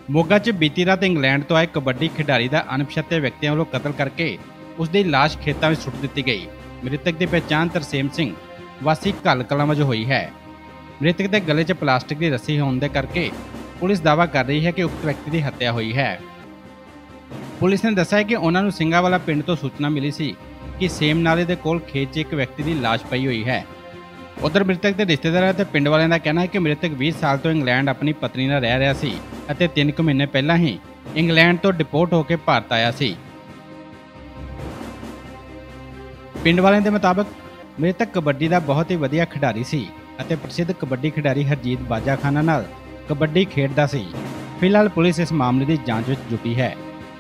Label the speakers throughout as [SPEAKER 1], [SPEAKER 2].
[SPEAKER 1] ਮੋਗਾ 'ਚ ਬੀਤੀ ਰਾਤ ਇੰਗਲੈਂਡ ਤੋਂ ਆਏ ਕਬੱਡੀ ਖਿਡਾਰੀ ਦਾ ਅਣਪਛਾਤੇ ਵਿਅਕਤੀਆਂ ਵੱਲੋਂ ਕਤਲ ਕਰਕੇ ਉਸ ਦੀ ਲਾਸ਼ ਖੇਤਾਂ ਵਿੱਚ ਸੁੱਟ ਦਿੱਤੀ ਗਈ। ਮ੍ਰਿਤਕ ਦੀ ਪਛਾਣ ਤਰਸੇਮ ਸਿੰਘ ਵਾਸੀ ਘੱਲ ਕਲਾਂ ਵਜੋਂ ਹੋਈ ਹੈ। ਮ੍ਰਿਤਕ ਦੇ ਗਲੇ 'ਚ ਪਲਾਸਟਿਕ ਦੀ ਰੱਸੀ ਹੋਣ ਦੇ ਕਰਕੇ ਪੁਲਿਸ ਦਾਅਵਾ ਕਰ ਰਹੀ ਹੈ ਕਿ ਉਕਤ ਵਿਅਕਤੀ ਦੀ ਹੱਤਿਆ ਹੋਈ ਹੈ। ਪੁਲਿਸ ਨੇ ਦੱਸਿਆ ਕਿ ਉਹਨਾਂ ਨੂੰ ਸਿੰਘਾਵਾਲਾ ਪਿੰਡ ਤੋਂ ਸੂਚਨਾ ਮਿਲੀ ਸੀ ਕਿ ਸੇਮ ਨਾਲੇ ਦੇ ਕੋਲ ਖੇਤ 'ਚ ਇੱਕ ਵਿਅਕਤੀ ਦੀ ਲਾਸ਼ ਪਈ ਹੋਈ ਹੈ। ਉਧਰ ਮ੍ਰਿਤਕ ਦੇ ਰਿਸ਼ਤੇਦਾਰਾਂ ਅਤੇ ਪਿੰਡ ਵਾਲਿਆਂ ਦਾ ਕਹਿਣਾ ਹੈ ਕਿ ਮ੍ਰਿਤਕ 20 ਸਾਲ ਤੋਂ ਇੰਗਲੈਂਡ ਆਪਣੀ ਪਤਨੀ ਨਾਲ ਰਹਿ ਰਿਹਾ ਸੀ ਅਤੇ 3 ਕੁ ਮਹੀਨੇ ਪਹਿਲਾਂ ਹੀ ਇੰਗਲੈਂਡ ਤੋਂ ਡਿਪੋਰਟ ਹੋ ਕੇ ਭਾਰਤ ਆਇਆ ਸੀ। ਪਿੰਡ ਵਾਲਿਆਂ ਦੇ ਮੁਤਾਬਕ ਮ੍ਰਿਤਕ ਕਬੱਡੀ ਦਾ ਬਹੁਤ ਹੀ ਵਧੀਆ ਖਿਡਾਰੀ ਸੀ ਅਤੇ ਪ੍ਰਸਿੱਧ ਕਬੱਡੀ ਖਿਡਾਰੀ ਹਰਜੀਤ ਬਾਜਾਖਾਨਾ ਨਾਲ ਕਬੱਡੀ ਖੇਡਦਾ ਸੀ। ਫਿਲਹਾਲ ਪੁਲਿਸ ਇਸ ਮਾਮਲੇ ਦੀ ਜਾਂਚ ਵਿੱਚ ਜੁਟੀ ਹੈ।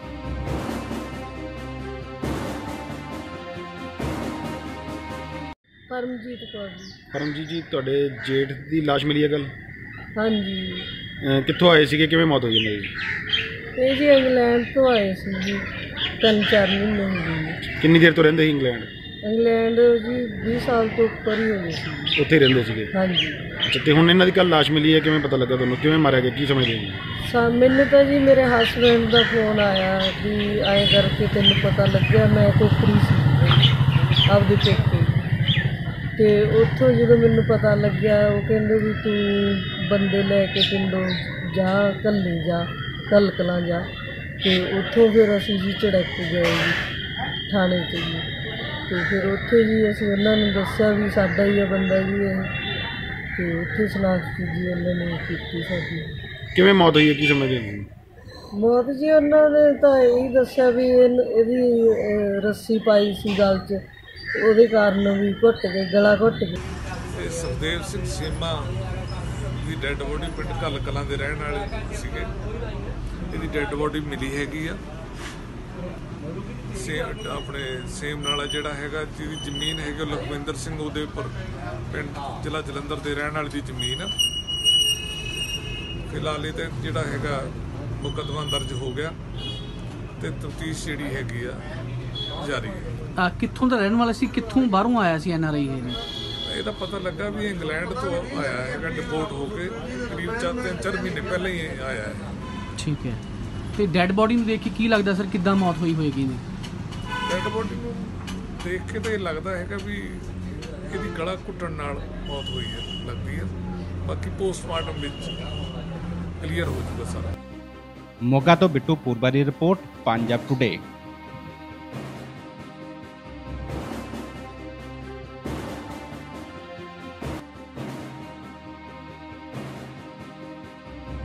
[SPEAKER 2] परमजीत कौर जी।
[SPEAKER 3] परमजीत जी ਤੁਹਾਡੇ ਜੇਠ ਦੀ ਲਾਸ਼ ਮਿਲੀ ਹੈ ਕੱਲ?
[SPEAKER 2] ਹਾਂਜੀ।
[SPEAKER 3] ਕਿੱਥੋਂ ਆਏ ਸੀਗੇ, ਕਿਵੇਂ ਮੌਤ ਹੋਈ ਇਹਨਾਂ ਦੀ?
[SPEAKER 2] ਇਹ ਜੀ ਇੰਗਲੈਂਡ ਤੋਂ ਆਏ ਸੀ ਜੀ, 3-4 ਮਹੀਨੇ ਹੋ ਗਏ।
[SPEAKER 3] ਕਿੰਨੀ ਦੇਰ ਤੋਂ ਰਹਿੰਦੇ ਸੀ ਇੰਗਲੈਂਡ?
[SPEAKER 2] ਇੰਗਲੈਂਡ ਜੀ 20 ਸਾਲ ਤੋਂ ਉੱਪਰ ਹੀ ਹੋ ਗਏ ਸੀ।
[SPEAKER 3] ਉੱਥੇ ਹੀ ਰਹਿੰਦੇ ਸੀਗੇ?
[SPEAKER 2] ਹਾਂਜੀ।
[SPEAKER 3] ਅੱਛਾ, ਤੇ ਹੁਣ ਇਹਨਾਂ ਦੀ ਕੱਲ ਲਾਸ਼ ਮਿਲੀ ਹੈ, ਕਿਵੇਂ ਪਤਾ ਲੱਗਾ ਤੁਹਾਨੂੰ? ਕਿਵੇਂ ਮਾਰਿਆ ਗਿਆ, ਕੀ ਸਮਝਦੇ ਹੋ?
[SPEAKER 2] ਮੈਨੂੰ ਤਾਂ ਜੀ ਮੇਰੇ ਹਸਬੈਂਡ ਦਾ ਫੋਨ ਆਇਆ ਵੀ ਐਂ ਕਰਕੇ ਤੈਨੂੰ ਪਤਾ ਲੱਗਿਆ। ਮੈਂ ਕੋਕਰੀ ਸੀ ਆਪਦੇ ਪੇਕੇ, ਤੇ ਉੱਥੋਂ ਜਦੋਂ ਮੈਨੂੰ ਪਤਾ ਲੱਗਿਆ ਉਹ ਕਹਿੰਦੇ ਵੀ ਤੂੰ ਬੰਦੇ ਲੈ ਕੇ ਪਿੰਡੋਂ ਜਾ, ਘੱਲੀ ਜਾ, ਘੱਲ ਕਲਾਂ ਜਾ। ਤੇ ਉੱਥੋਂ ਫਿਰ ਅਸੀਂ ਜੀ ਝੜਕ ਗਏ ਜੀ ਥਾਣੇ 'ਚ ਜੀ। ਤੇ ਫਿਰ ਉੱਥੇ ਜੀ ਅਸੀਂ ਉਹਨਾਂ ਨੂੰ ਦੱਸਿਆ ਵੀ ਸਾਡਾ ਹੀ ਆ ਬੰਦਾ ਜੀ ਇਹ, ਤੇ ਉੱਥੇ ਸ਼ਨਾਖਤ ਜੀ ਉਹਨਾਂ ਨੇ ਕੀਤੀ ਸਾਡੀ।
[SPEAKER 3] ਕਿਵੇਂ ਮੌਤ ਹੋਈ ਹੈ, ਕੀ ਸਮਝਦੇ ਹੋ?
[SPEAKER 2] ਮੌਤ ਜੀ ਉਹਨਾਂ ਨੇ ਤਾਂ ਇਹੀ ਦੱਸਿਆ ਵੀ ਇਹਦੀ ਰੱਸੀ ਪਾਈ ਸੀ ਗਲ 'ਚ, ਉਹਦੇ ਕਾਰਨ ਵੀ ਘੁੱਟ ਗਏ, ਗਲਾ ਘੁੱਟ ਗਿਆ।
[SPEAKER 4] ਸੁਖਦੇਵ ਸਿੰਘ ਸੇਮਾ ਦੀ ਡੈੱਡ ਬੋਡੀ ਪਿੰਡ ਘੱਲ ਕਲਾਂ ਦੇ ਰਹਿਣ ਵਾਲੇ ਸੀਗੇ। ਇਹਦੀ ਡੈੱਡ ਬੋਡੀ ਮਿਲੀ ਹੈਗੀ ਆ ਆਪਣੇ ਸੇਮ ਨਾਲਾ ਜਿਹੜਾ ਹੈਗਾ, ਜਿਹਦੀ ਜ਼ਮੀਨ ਹੈਗੀ ਉਹ ਲਖਵਿੰਦਰ ਸਿੰਘ ਉਹਦੇ ਉੱਪਰ ਪਿੰਡ ਜ਼ਿਲ੍ਹਾ ਜਲੰਧਰ ਦੇ ਰਹਿਣ ਵਾਲੇ ਦੀ ਜ਼ਮੀਨ ਆ। ਫਿਲਹਾਲ ਇਹ ਤਾਂ ਜਿਹੜਾ ਹੈਗਾ ਮੁਕੱਦਮਾ ਦਰਜ ਹੋ ਗਿਆ ਤੇ ਤਫਤੀਸ਼ ਜਿਹੜੀ ਹੈਗੀ ਆ ਜਾਰੀ ਹੈ।
[SPEAKER 5] ਕਿੱਥੋਂ ਦਾ ਰਹਿਣ ਵਾਲਾ ਸੀ, ਕਿੱਥੋਂ ਬਾਹਰੋਂ ਆਇਆ ਸੀ NRI?
[SPEAKER 4] ਇਹਦਾ ਪਤਾ ਲੱਗਾ ਵੀ ਇੰਗਲੈਂਡ ਤੋਂ ਆਇਆ ਹੈਗਾ ਡਿਪੋਰਟ ਹੋ ਕੇ, ਕਰੀਬ 3-4 ਮਹੀਨੇ ਪਹਿਲਾਂ ਹੀ ਆਇਆ ਹੈ।
[SPEAKER 5] ਠੀਕ ਹੈ। ਤੇ ਡੈੱਡ ਬੋਡੀ ਨੂੰ ਦੇਖ ਕੇ ਕੀ ਲੱਗਦਾ ਸਰ, ਕਿੱਦਾਂ ਮੌਤ ਹੋਈ ਹੋਏਗੀ ਨੇ?
[SPEAKER 4] ਡੈੱਡ ਬੋਡੀ ਨੂੰ ਦੇਖ ਕੇ ਤਾਂ ਇਹ ਲੱਗਦਾ ਹੈਗਾ ਵੀ ਇਹਦੀ ਗਲਾ ਘੁੱਟਣ ਨਾਲ ਮੌਤ ਹੋਈ ਹੈ ਲੱਗਦੀ ਹੈ। ਬਾਕੀ ਪੋਸਟਮਾਰਟਮ ਵਿੱਚ ਕਲੀਅਰ ਹੋ ਜਾਊਗਾ ਸਾਰਾ।
[SPEAKER 1] ਮੋਗਾ ਤੋਂ ਬਿੱਟੂ ਪੂਰਬਾ ਦੀ ਰਿਪੋਰਟ, ਪੰਜਾਬ ਟੁਡੇ।